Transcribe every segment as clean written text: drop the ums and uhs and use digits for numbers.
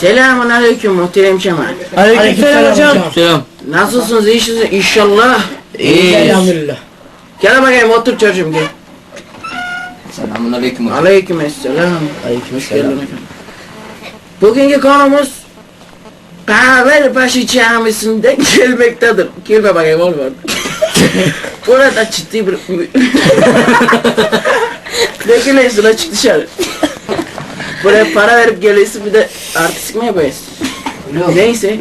Selamun aleyküm muhterem Kemal. Aleykümselam hocam. Selam. Nasılsınız? İyisiniz inşallah. İyiyiz. Elhamdülillah. Gel bakayım otur çocuğum gel. Selamun aleyküm hocam. Aleykümselam. Aleykümselam. Bugünkü konumuz Kahvebaşı Camisi'nden gelmektedir. Girme bakayım oğlum orada. Burada ciddi bir... Ne gülüyorsun lan, çık dışarı. Buraya para verip geliyorsun, bir de artistik mi yapıyorsun? Neyse.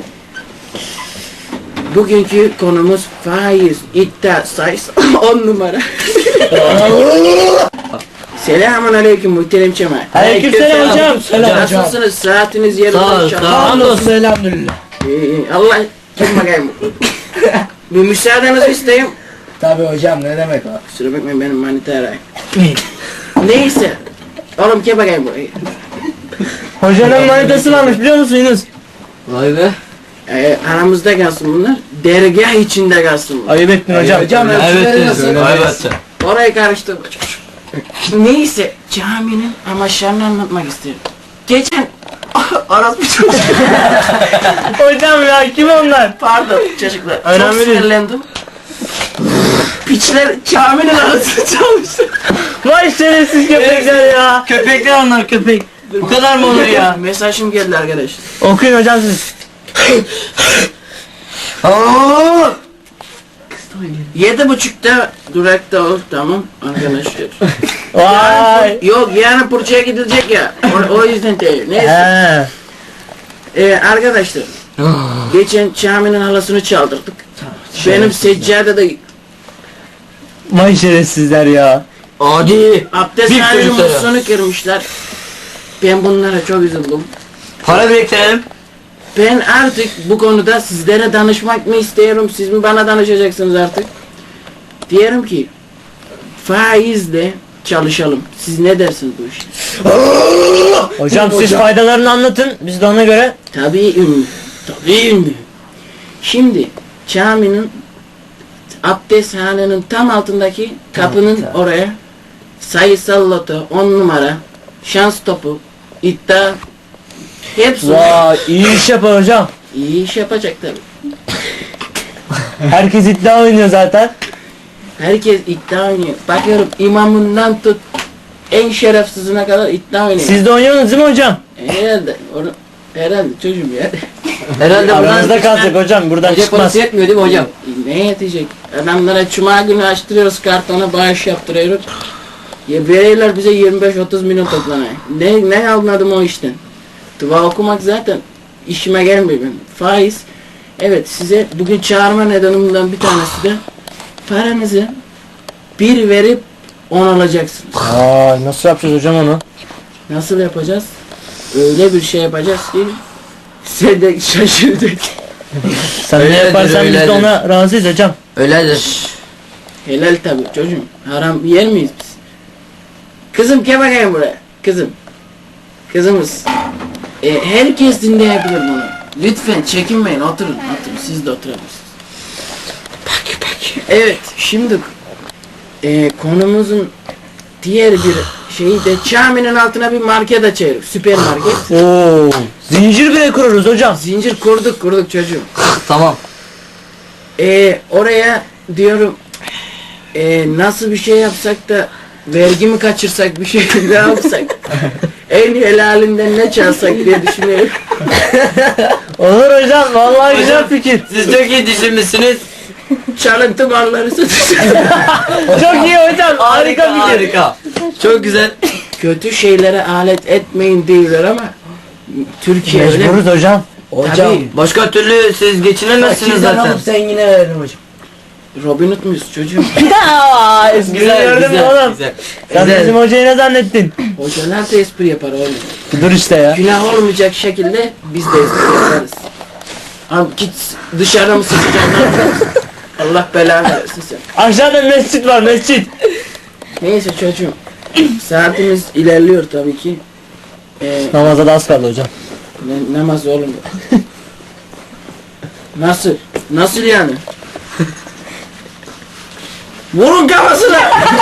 Bugünkü konumuz faiz, iddia sayısı 10 numara. Selamun aleyküm muhterem Kemal. Aleykümselam hocam. Selam hocam. Nasılsınız? Saatiniz yerinde Sağ ol, inşallah. sağ ol. Hamdolsun elhamdülillah. Allah kim bakayım. Bir müsaadenizi isteyeyim. Tabii hocam, ne demek o? Kusura bakmayın, benim manita arayın. Neyse. Oğlum kim bakayım burayı. Hocanın manitası varmış, biliyor musunuz? Vay be. Aramızda kalsın bunlar. Dergah içinde kalsın bunlar. Ayıp ettin hocam. Evet. Orayı karıştırma. Neyse, caminin amaçlarını anlatmak isterim. Geçen orası bir çocuk. Hocam ya, kim onlar? Pardon çocuklar. Önemli Çok değil. sinirlendim. Piçler caminin arasını çalmışlar. Vay şerefsiz köpekler ya. Köpekler onlar köpek. Bu kadar mı olur ya? Mesajım geldi arkadaş. Okuyun hocam siz. 7.30'da durakta ol, tamam arkadaşlar. Vay. Yok yani Burça'ya gidilecek ya. O yüzden değil. Neyse. Arkadaşlar. Geçen caminin halasını çaldırdık. Benim seccade de Vay şerefsizler ya. Adi. abdesthanenin çocuklara. musluğunu kırmışlar. Ben bunlara çok üzüldüm. Para biriktirelim. Ben artık bu konuda sizlere danışmak mı istiyorum, siz mi bana danışacaksınız artık? Diyorum ki faizle çalışalım. Siz ne dersiniz bu işe? Hocam siz faydalarını anlatın, biz de ona göre. Tabii ünlü. Tabii ünlü. Şimdi caminin abdesthanenin tam altındaki kapının oraya sayısal loto, 10 numara, şans topu, iddia hepsi Vay, iyi iş yapar hocam. iyi iş yapacak tabii. Herkes iddia oynuyor zaten. Herkes iddia oynuyor. Bakıyorum imamından tut en şerefsizine kadar iddia oynuyor. Siz de oynuyorsunuz değil mi hocam? Herhalde. Herhalde çocuğum ya. Herhalde Aranızda kalacak hocam, buradan Hoca çıkmaz. parası yetmiyor değil mi hocam? Ne yetecek? Adamlara cuma günü açtırıyoruz kartona, bağış yaptırıyoruz. Ya veriyorlar bize 25-30 milyon toplanıyor. Ne anladım o işten? Dua okumak zaten işime gelmiyor benim. Faiz. Evet, size bugün çağırma nedenimden bir tanesi de paranızı bir verip 10 alacaksınız. Aa, nasıl yapacağız hocam onu? Nasıl yapacağız? Öyle bir şey yapacağız ki sen de şaşıracaksın. Sen ne Öyledir, yaparsan biz de öyledir. ona razıyız hocam. Öyledir. Helal tabi çocuğum. Haram yer miyiz biz? Kızım gel bakayım buraya. Kızım. Kızımız. Herkes dinleyebilir bunu. Lütfen çekinmeyin, oturun. Siz de oturabilirsiniz. Peki. Evet, şimdi konumuzun diğer bir şeyi de caminin altına bir market açıyoruz. Süpermarket. Oo, zincir bile kurarız hocam. Zincir kurduk çocuğum. Tamam. Oraya diyorum nasıl bir şey yapsak da vergi mi kaçırsak, bir şey ne yapsak, en helalinden ne çalsak diye düşünüyorum. Olur hocam, vallahi güzel fikir. Siz çok iyi düşünmüşsünüz. Çalıntı malları satacağız. Çok iyi hocam, harika fikir. Harika. Çok güzel. Kötü şeylere alet etmeyin diyorlar ama Türkiye öyle. Mecburuz hocam. Tabii. Başka türlü siz geçinemezsiniz zaten. sen yine veririm hocam. Robin Hood muyuz çocuğum? Aa, espri gördün mü oğlum? Güzel. Sen Güzel. bizim hocayı ne zannettin? Hocalar da espri yapar oğlum. Dur işte ya. Günah olmayacak şekilde biz de espri yaparız. Abi git dışarıda mı sıkacaksın? Ne yapacaksın? Allah belanı versin sen. Aşağıda mescit var, mescit. Neyse çocuğum. Saatimiz ilerliyor tabii ki. Namaza da az kaldı hocam. Namaz oğlum. Nasıl? Nasıl yani? Vurun kafasına!